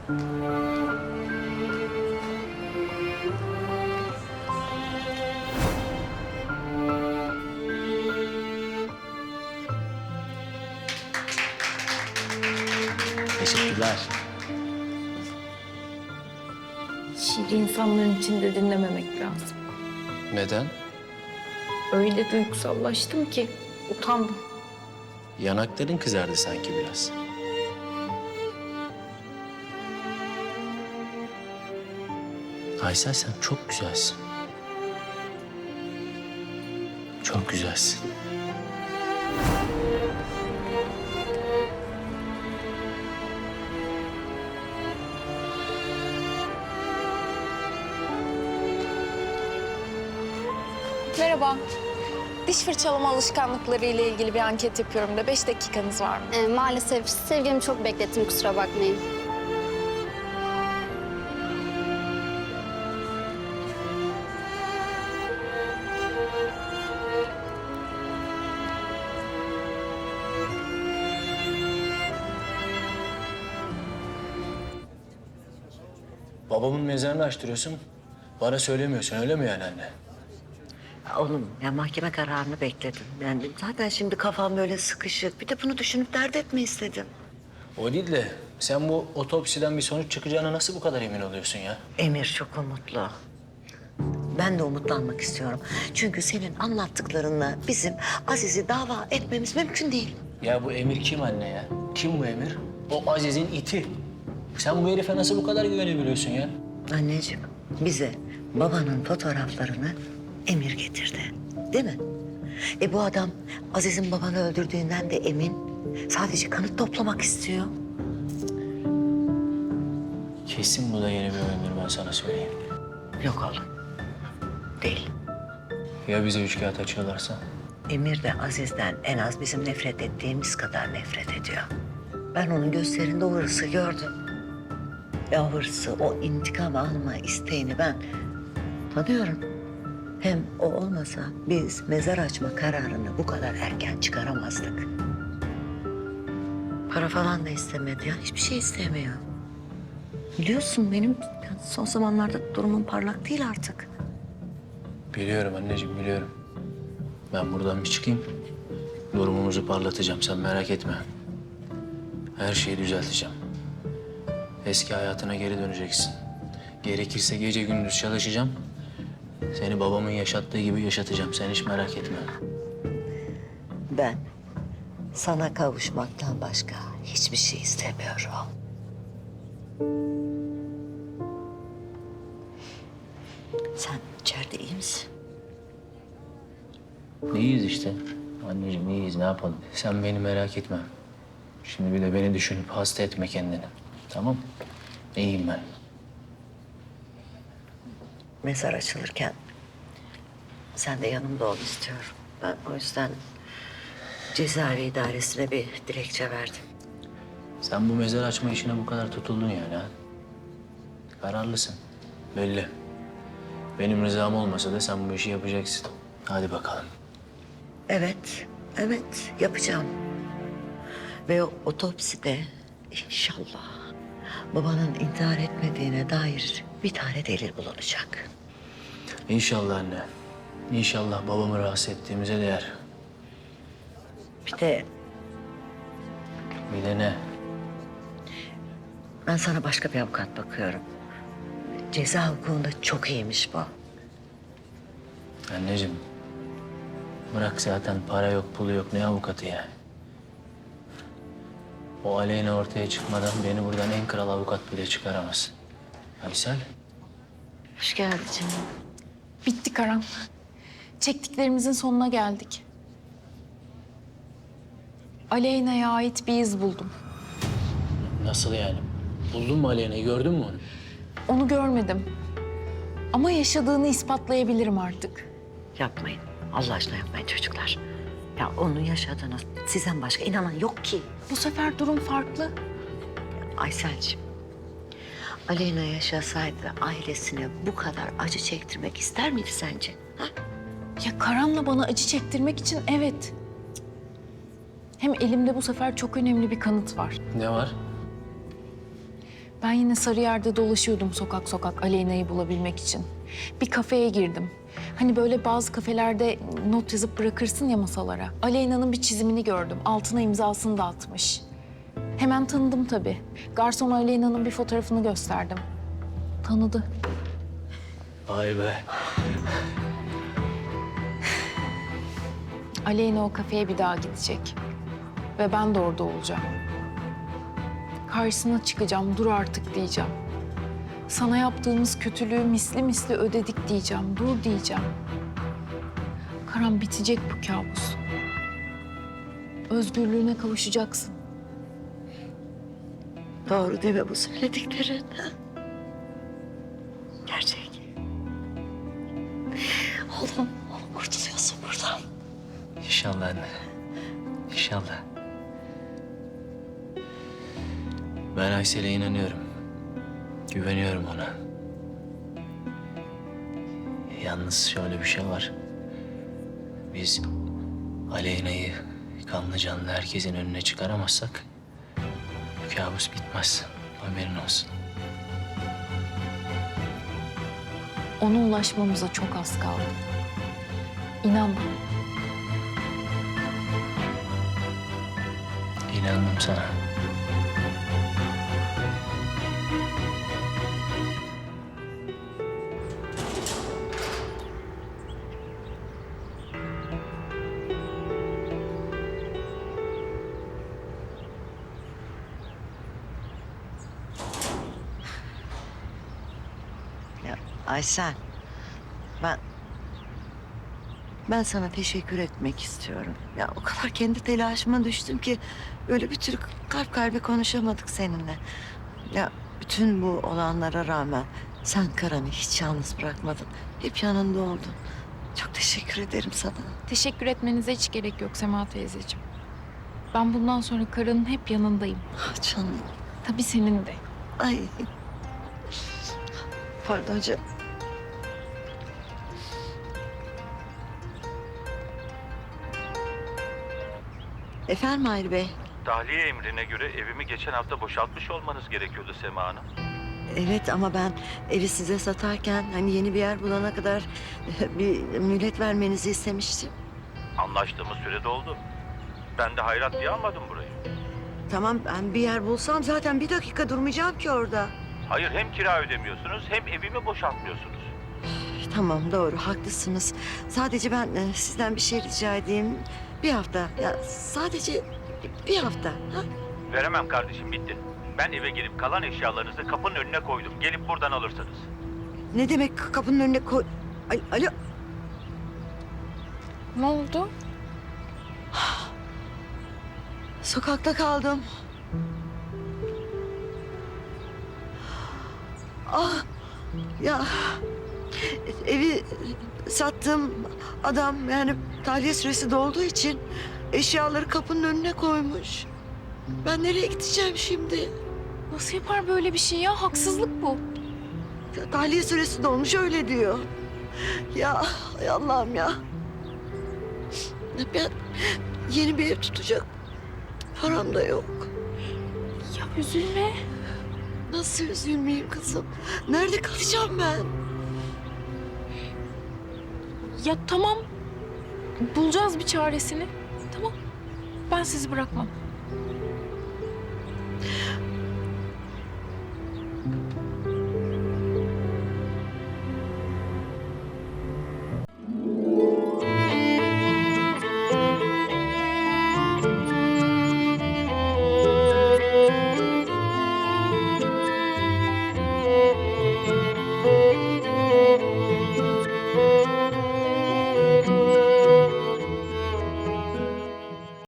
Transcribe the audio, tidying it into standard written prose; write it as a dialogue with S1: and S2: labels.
S1: Teşekkürler.
S2: Şiiri insanların içinde dinlememek lazım.
S1: Neden?
S2: Öyle duygusallaştım ki utandım.
S1: Yanakların kızardı sanki biraz. Aysel, sen çok güzelsin. Çok güzelsin.
S3: Merhaba. Diş fırçalama alışkanlıkları ile ilgili bir anket yapıyorum da 5 dakikanız var mı?
S4: Maalesef sevgilimi çok beklettim, kusura bakmayın.
S1: Babamın mezarını açtırıyorsun. Bana söylemiyorsun, öyle mi yani anne?
S5: Oğlum ya mahkeme kararını bekledim. Yani zaten şimdi kafam böyle sıkışık. Bir de bunu düşünüp dert etme istedim.
S1: O değil de sen bu otopsiden bir sonuç çıkacağına nasıl bu kadar emin oluyorsun ya?
S5: Emir çok umutlu. Ben de umutlanmak istiyorum. Çünkü senin anlattıklarınla bizim Aziz'i dava etmemiz mümkün değil.
S1: Ya bu Emir kim anne ya? Kim bu Emir? O Aziz'in iti. Sen bu herife nasıl bu kadar güvenebiliyorsun ya?
S5: Anneciğim bize babanın fotoğraflarını Emir getirdi. Değil mi? Bu adam Aziz'in babanı öldürdüğünden de emin. Sadece kanıt toplamak istiyor.
S1: Kesin bu da yeni bir oyundur, ben sana söyleyeyim.
S5: Yok oğlum. Değil.
S1: Ya bize üç kağıt açıyorlarsa?
S5: Emir de Aziz'den en az bizim nefret ettiğimiz kadar nefret ediyor. Ben onun gözlerinde o hırsı gördüm. Ve o hırsı, o intikam alma isteğini ben tanıyorum. Hem o olmasa biz mezar açma kararını bu kadar erken çıkaramazdık. Para falan da istemedi ya, hiçbir şey istemiyor. Biliyorsun benim son zamanlarda durumum parlak değil artık.
S1: Biliyorum anneciğim, biliyorum. Ben buradan bir çıkayım. Durumumuzu parlatacağım, sen merak etme. Her şeyi düzelteceğim. Eski hayatına geri döneceksin. Gerekirse gece gündüz çalışacağım. Seni babamın yaşattığı gibi yaşatacağım. Sen hiç merak etme.
S5: Ben sana kavuşmaktan başka hiçbir şey istemiyorum. Sen içeride iyi misin?
S1: İyiyiz işte. Anneciğim iyiyiz, ne yapalım? Sen beni merak etme. Şimdi bir de beni düşünüp hasta etme kendini. Tamam? İyiyim ben.
S5: Mezar açılırken sen de yanımda ol istiyorum. Ben o yüzden cezaevi idaresine bir dilekçe verdim.
S1: Sen bu mezar açma işine bu kadar tutuldun yani ha? Kararlısın. Belli. Benim rızam olmasa da sen bu işi yapacaksın. Hadi bakalım.
S5: Evet, evet yapacağım. Ve o otopside inşallah babanın intihar etmediğine dair bir tane delil bulunacak.
S1: İnşallah anne. İnşallah babamı rahatsız ettiğimize değer.
S5: Bir de
S1: Bir de ne?
S5: ben sana başka bir avukat bakıyorum. Ceza hukukunda çok iyiymiş bu.
S1: Anneciğim. Bırak zaten para yok, pulu yok. Ne avukatı ya? O Aleyna ortaya çıkmadan beni buradan en kral avukat bile çıkaramaz. Aysel.
S5: Hoş geldin canım.
S2: Bitti Karan. Çektiklerimizin sonuna geldik. Aleyna'ya ait bir iz buldum.
S1: Nasıl yani? Buldun mu Aleyna'yı? Gördün mü onu?
S2: Onu görmedim. Ama yaşadığını ispatlayabilirim artık.
S5: Yapmayın. Allah aşkına yapmayın çocuklar. Ya onun yaşadığını sizden başka inanan yok ki.
S2: Bu sefer durum farklı.
S5: Ayselciğim, Aleyna yaşasaydı ailesine bu kadar acı çektirmek ister miydi sence? Ha?
S2: Ya Karan'la bana acı çektirmek için evet. Hem elimde bu sefer çok önemli bir kanıt var.
S1: Ne var?
S2: Ben yine Sarıyer'de dolaşıyordum sokak sokak Aleyna'yı bulabilmek için. Bir kafeye girdim. Hani böyle bazı kafelerde not yazıp bırakırsın ya masalara. Aleyna'nın bir çizimini gördüm. Altına imzasını da atmış. Hemen tanıdım tabii. Garson Aleyna'nın bir fotoğrafını gösterdim. Tanıdı.
S1: Vay be.
S2: Aleyna o kafeye bir daha gidecek. Ve ben de orada olacağım. Karşısına çıkacağım, dur artık diyeceğim. Sana yaptığımız kötülüğü misli misli ödedik diyeceğim, dur diyeceğim. Karan, bitecek bu kabus. Özgürlüğüne kavuşacaksın.
S5: Doğru değil mi bu söylediklerin? Gerçek. Oğlum kurtuluyorsun buradan.
S1: İnşallah anne. İnşallah. Ben Aysel'e inanıyorum. Güveniyorum ona. Yalnız şöyle bir şey var. Biz Aleyna'yı kanlı canlı herkesin önüne çıkaramazsak bu kabus bitmez. Haberin olsun.
S2: Ona ulaşmamıza çok az kaldı. İnan bana.
S1: İnandım sana.
S5: Ya Aysel, ben sana teşekkür etmek istiyorum. Ya o kadar kendi telaşıma düştüm ki böyle bir türlü kalp kalbe konuşamadık seninle. Ya bütün bu olanlara rağmen sen Karan'ı hiç yalnız bırakmadın. Hep yanında oldun. Çok teşekkür ederim sana.
S2: Teşekkür etmenize hiç gerek yok Sema teyzeciğim. Ben bundan sonra Karan'ın hep yanındayım.
S5: Ah canım.
S2: Tabii senin de.
S5: Ay. Pardon canım. Efendim Mahir Bey.
S6: Tahliye emrine göre evimi geçen hafta boşaltmış olmanız gerekiyordu Sema Hanım.
S5: Evet ama ben evi size satarken hani yeni bir yer bulana kadar bir mühlet vermenizi istemiştim.
S6: Anlaştığımız süre doldu. Ben de hayrat diye almadım burayı.
S5: Tamam ben bir yer bulsam zaten bir dakika durmayacağım ki orada.
S6: Hayır, hem kira ödemiyorsunuz hem evimi boşaltmıyorsunuz.
S5: Tamam doğru haklısınız. Sadece ben sizden bir şey rica edeyim. Bir hafta ya sadece bir hafta. Ha?
S6: Veremem kardeşim, bitti. Ben eve girip kalan eşyalarınızı kapının önüne koydum. Gelip buradan alırsınız.
S5: Ne demek kapının önüne koy... Ay, alo.
S2: Ne oldu?
S5: Sokakta kaldım. Ah ya evi sattığım adam yani tahliye süresi dolduğu için eşyaları kapının önüne koymuş. Ben nereye gideceğim şimdi?
S2: Nasıl yapar böyle bir şey ya? Haksızlık bu.
S5: Tahliye süresi dolmuş öyle diyor. Ya ay Allah'ım ya. Ben yeni bir ev tutacak param da yok.
S2: Ya üzülme.
S5: Nasıl üzülmeyeyim kızım? Nerede kalacağım ben?
S2: Ya tamam. Bulacağız bir çaresini. Tamam. Ben sizi bırakmam.